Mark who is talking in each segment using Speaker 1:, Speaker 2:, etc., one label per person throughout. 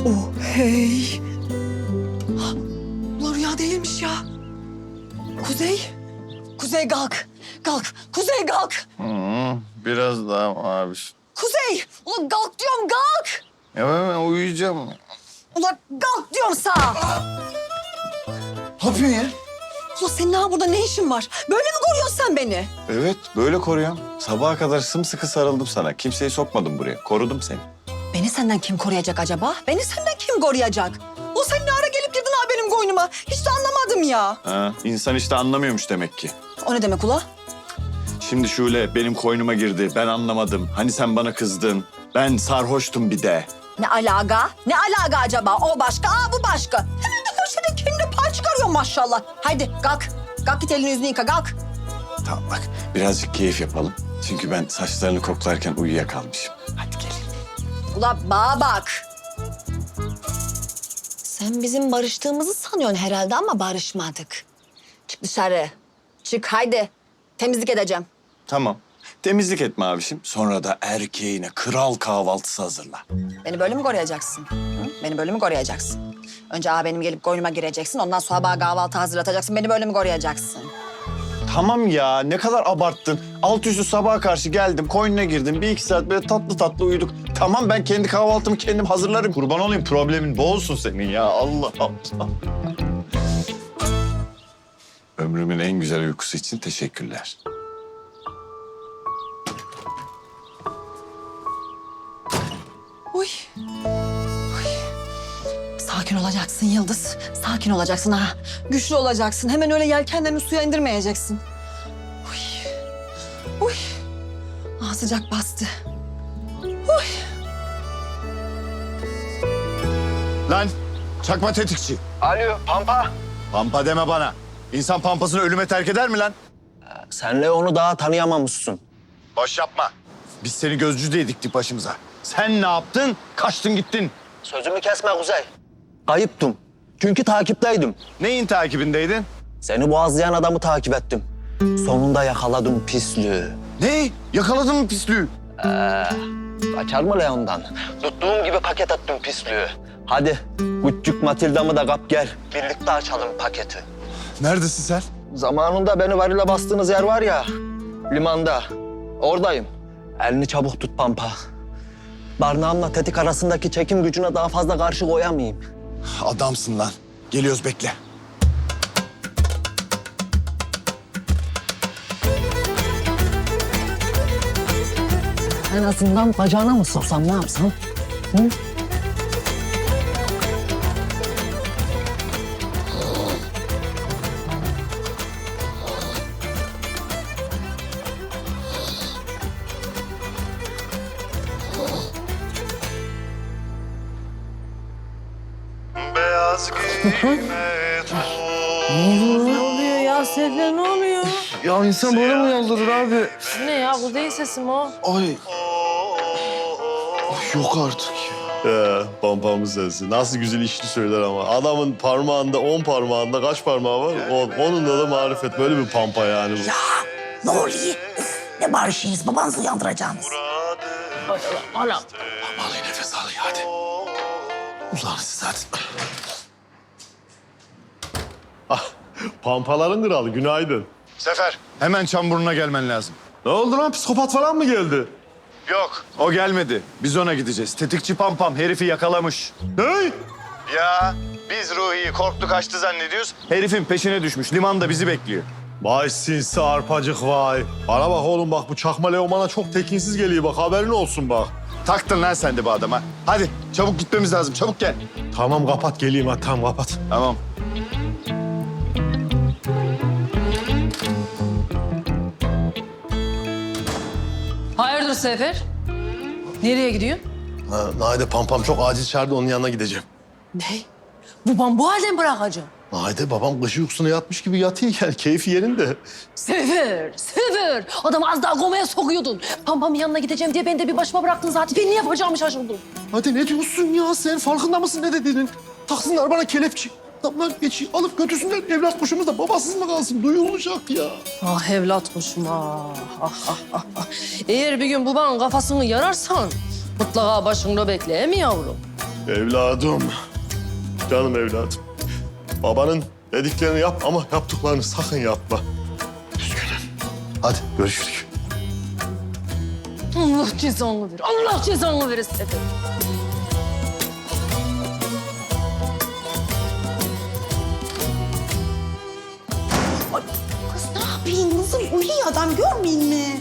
Speaker 1: Oh hey. Ulan rüya değilmiş ya. Kuzey. Kuzey kalk. Kalk. Kuzey kalk.
Speaker 2: Biraz daha abi.
Speaker 1: Kuzey. Ulan kalk diyorum kalk.
Speaker 2: Ya ben uyuyacağım.
Speaker 1: Ulan kalk diyorum sana.
Speaker 2: Ne yapıyorsun ya?
Speaker 1: Ulan senin daha burada ne işin var? Böyle mi koruyorsun sen beni?
Speaker 2: Evet, böyle koruyorum. Sabaha kadar sımsıkı sarıldım sana. Kimseyi sokmadım buraya. Korudum seni.
Speaker 1: Beni senden kim koruyacak acaba? Beni senden kim koruyacak? O sen ne ara gelip girdin ha benim koynuma? Hiç de anlamadım ya.
Speaker 2: Ha, insan işte anlamıyormuş demek ki.
Speaker 1: O ne demek ula?
Speaker 2: Şimdi Şule benim koynuma girdi. Ben anlamadım. Hani sen bana kızdın. Ben sarhoştum bir de.
Speaker 1: Ne alaka? Ne alaka acaba? O başka, bu başka. Hemen de köşede kendine pay çıkarıyor maşallah. Haydi kalk. Kalk git elini yüzünü yıka kalk.
Speaker 2: Tamam bak birazcık keyif yapalım. Çünkü ben saçlarını koklarken uyuyakalmışım. Hadi gel.
Speaker 1: Ula bana bak. Sen bizim barıştığımızı sanıyorsun herhalde ama barışmadık. Çık dışarı. Çık haydi. Temizlik edeceğim.
Speaker 2: Tamam. Temizlik etme abişim. Sonra da erkeğine kral kahvaltısı hazırla.
Speaker 1: Beni böyle mi koruyacaksın? Hı? Beni böyle mi koruyacaksın? Önce benim gelip koynuma gireceksin. Ondan sonra bana kahvaltı hazırlatacaksın. Beni böyle mi koruyacaksın?
Speaker 2: Tamam ya ne kadar abarttın. Alt üstü sabaha karşı geldim, koynuna girdim. Bir iki saat böyle tatlı tatlı uyuduk. Tamam ben kendi kahvaltımı kendim hazırlarım. Kurban olayım problemin bu olsun senin ya. Allah Allah. Ömrümün en güzel uykusu için teşekkürler.
Speaker 1: Uy. Uy. Sakin olacaksın Yıldız. Sakin olacaksın ha. Güçlü olacaksın. Hemen öyle yelkenlerini suya indirmeyeceksin. Uy. Uy. Sıcak bastı. Uy.
Speaker 2: Lan çakma tetikçi.
Speaker 3: Alo Pampa.
Speaker 2: Pampa deme bana. İnsan pampasını ölüme terk eder mi lan?
Speaker 3: Senle onu daha tanıyamamışsın.
Speaker 2: Boş yapma. Biz seni gözcü diye diktik başımıza. Sen ne yaptın? Kaçtın gittin.
Speaker 3: Sözümü kesme Kuzey. Kayıptım. Çünkü takipteydim.
Speaker 2: Neyin takibindeydin?
Speaker 3: Seni boğazlayan adamı takip ettim. Sonunda yakaladım pislüğü.
Speaker 2: Ne? Yakaladın mı pislüğü?
Speaker 3: Kaçar mı Leon'dan? Tuttuğum gibi paket attım pislüğü. Hadi küçük Matilda'mı da kap gel. Birlikte açalım paketi.
Speaker 2: Neredesin sen?
Speaker 3: Zamanında beni varile bastığınız yer var ya, limanda. Oradayım. Elini çabuk tut Pampa. Barnağımla tetik arasındaki çekim gücüne daha fazla karşı koyamayayım.
Speaker 2: Adamsın lan. Geliyoruz bekle.
Speaker 3: En azından bacağına mı soksam, ne yapsam? Hı?
Speaker 4: Beyaz giyime
Speaker 5: Ne oluyor ya Sefer, ne oluyor?
Speaker 4: Ya insan böyle mi yaldırır abi?
Speaker 5: Bu ne ya, Kuzey sesi mi o?
Speaker 4: Ay. Yok artık ya.
Speaker 6: Pampamın sesi. Nasıl güzel işli söyler ama. Adamın parmağında, 10 parmağında kaç parmağı var? Onunla da marifet. Böyle bir pampa yani bu.
Speaker 7: Ne oluyor? Ne barışıyız? Babanızı uyandıracaksınız.
Speaker 5: Anam.
Speaker 4: Vallahi nefes al ya hadi. Ulan siz hadi.
Speaker 6: Pampaların kralı. Günaydın.
Speaker 2: Sefer hemen Çamburnu'na gelmen lazım.
Speaker 6: Ne oldu lan? Psikopat falan mı geldi?
Speaker 2: Yok o gelmedi. Biz ona gideceğiz. Tetikçi Pampam herifi yakalamış.
Speaker 6: Ne?
Speaker 2: Ya biz Ruhi'yi korktu kaçtı zannediyoruz. Herifin peşine düşmüş. Limanda bizi bekliyor.
Speaker 6: Vay sinsi arpacık vay. Bana bak oğlum bak bu çakma Leoman'a çok tekinsiz geliyor bak haberin olsun bak.
Speaker 2: Taktın lan sen de bu adama. Hadi çabuk gitmemiz lazım. Çabuk gel.
Speaker 6: Tamam kapat geleyim ha tamam kapat.
Speaker 2: Tamam.
Speaker 5: Hayırdır Sefer? Nereye gidiyorsun?
Speaker 4: Naide pampam çok acil çağırdı onun yanına gideceğim.
Speaker 5: Ne? Babam bu halde mi bırakacağım?
Speaker 4: Naide babam kış uykusuna yatmış gibi yatıyor yani keyfi yerinde.
Speaker 5: Sefer, Sefer. Adamı az daha komaya sokuyordun. Pampamın yanına gideceğim diye beni de bir başıma bıraktın zaten. Ben ne yapacağımı şaşırdım.
Speaker 4: Hadi ne diyorsun ya sen farkında mısın ne dediğinin? Taksınlar bana kelepçe. Adamlar geçi alıp götürsünler evlat kuşumuz da babasız mı kalsın duyulacak ya.
Speaker 5: Ah evlat kuşum ah. Eğer bir gün babanın kafasını yararsan mutlaka başında bekle mi yavrum?
Speaker 6: Evladım. Canım evladım. Babanın dediklerini yap ama yaptıklarını sakın yapma. Üzgünüm. Hadi görüşürüz.
Speaker 5: Allah cezanı verir. Allah cezanı verir Sefer.
Speaker 7: Kız ne yapayım kızım? Uyuyor adam görmeyin mi?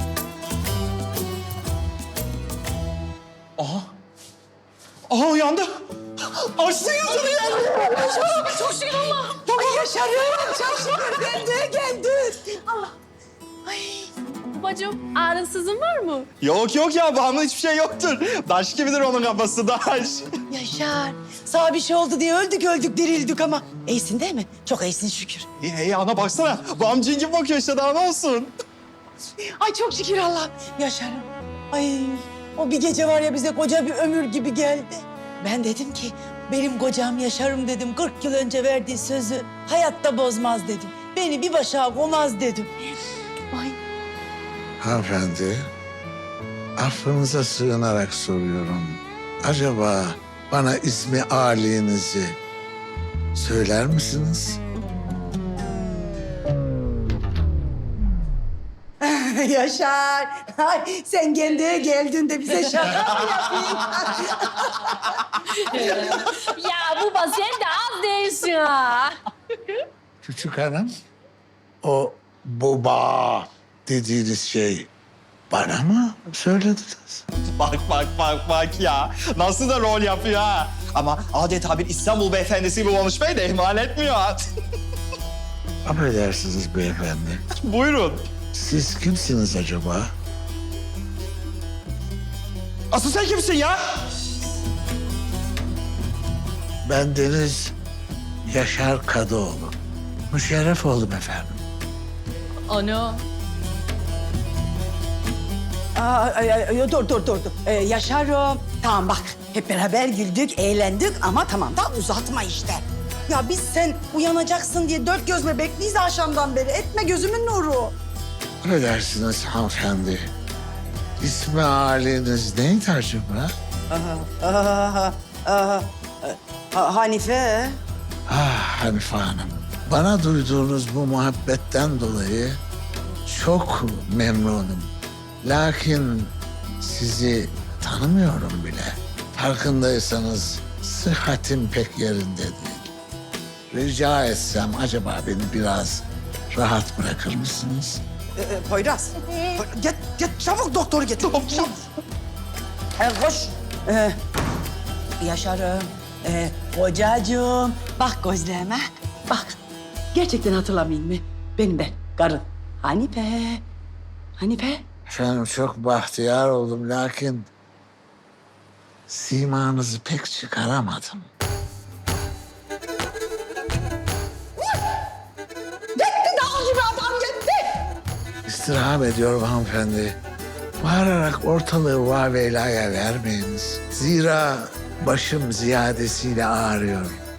Speaker 4: Aha uyandı. Açtı yüzünü ya.
Speaker 7: Çok şükür Allah. Ay yaşarım. Çok şükür geldi.
Speaker 5: Babacığım ağrınsızın var mı?
Speaker 2: Yok ya babamın hiçbir şey yoktur. Daş gibidir onun kafası daş.
Speaker 7: Yaşar. Sana bir şey oldu diye öldük dirildik ama. İyisin değil mi? Çok iyisin şükür.
Speaker 2: İyi ana baksana. Babam cin gibi bakıyor işte daha ne olsun.
Speaker 7: Ay çok şükür Allah. Yaşarım. Ay o bir gece var ya bize koca bir ömür gibi geldi. Ben dedim ki benim kocam Yaşarım dedim. 40 yıl önce verdiği sözü hayatta bozmaz dedim. Beni bir başa koymaz dedim. Ay
Speaker 8: Hanımefendi, affınıza sığınarak soruyorum. Acaba bana ismi âlinizi söyler misiniz?
Speaker 7: Yaşar. Ay, sen kendine geldiğinde bize şaka mı yapayım?
Speaker 5: Ya baba sen de az değilsin ha.
Speaker 8: Küçük hanım, o baba dediğiniz şey bana mı söylediniz?
Speaker 2: Bak ya. Nasıl da rol yapıyor ha. Ama adeta bir İstanbul beyefendisi gibi konuşmayı da ihmal etmiyor.
Speaker 8: Affedersiniz beyefendi.
Speaker 2: Buyurun.
Speaker 8: Siz kimsiniz acaba?
Speaker 2: Asıl sen kimsin ya?
Speaker 8: Ben Deniz Yaşar Kadıoğlu. Müşerref oldum efendim.
Speaker 5: Ana.
Speaker 7: Dur. Yaşarım. Tamam bak hep beraber güldük, eğlendik ama tamam da uzatma işte. Ya biz sen uyanacaksın diye dört göz bebekliyiz akşamdan beri. Etme gözümün nuru.
Speaker 8: Affedersiniz hanımefendi. İsmi âliniz neydi acaba?
Speaker 7: Hanife.
Speaker 8: Ah Hanife Hanım. Bana duyduğunuz bu muhabbetten dolayı çok memnunum. Lakin sizi tanımıyorum bile. Farkındaysanız sıhhatim pek yerinde değil. Rica etsem acaba beni biraz rahat bırakır mısınız?
Speaker 7: Poyraz. Git çabuk doktoru getir. Çabuk. Koş. Yaşarım. Kocacığım. Bak gözlerime. Bak. Gerçekten hatırlamayayım mı? Benim ben. Karın. Hanife.
Speaker 8: Efendim çok bahtiyar oldum lakin simanızı pek çıkaramadım.
Speaker 7: Dağ gibi adam gitti.
Speaker 8: İstirham ediyorum hanımefendi. Bağırarak ortalığı vaveylaya vermeyiniz. Zira başım ziyadesiyle ağrıyor.